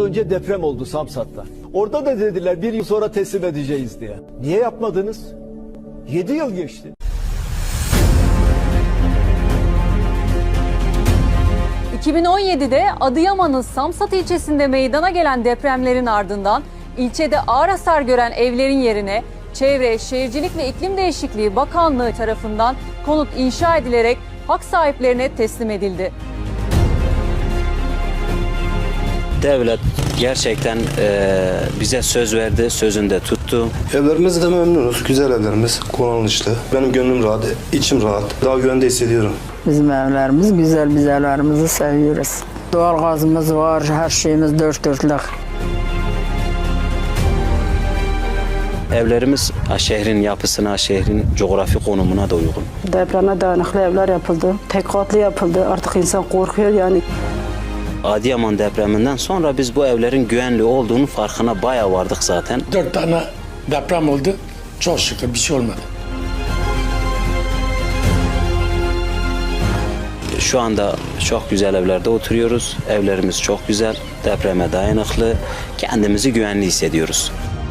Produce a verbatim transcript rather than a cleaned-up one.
Önce deprem oldu Samsat'ta. Orada da dediler bir yıl sonra teslim edeceğiz diye. Niye yapmadınız? Yedi yıl geçti. iki bin on yedi'de Adıyaman'ın Samsat ilçesinde meydana gelen depremlerin ardından ilçede ağır hasar gören evlerin yerine Çevre, Şehircilik ve İklim Değişikliği Bakanlığı tarafından konut inşa edilerek hak sahiplerine teslim edildi. Devlet gerçekten e, bize söz verdi, sözünde tuttu. Evlerimizde memnunuz, güzel evlerimiz, kullanışlı. Benim gönlüm rahat, içim rahat, daha güvende hissediyorum. Bizim evlerimiz güzel, biz evlerimizi seviyoruz. Doğal gazımız var, her şeyimiz dört dörtlük. Evlerimiz şehrin yapısına, şehrin coğrafi konumuna da uygun. Depreme dayanıklı evler yapıldı, tek katlı yapıldı. Artık insan korkuyor yani. Adıyaman depreminden sonra biz bu evlerin güvenli olduğunu farkına bayağı vardık zaten. Dört tane deprem oldu. Çok şükür bir şey olmadı. Şu anda çok güzel evlerde oturuyoruz. Evlerimiz çok güzel, depreme dayanıklı. Kendimizi güvenli hissediyoruz.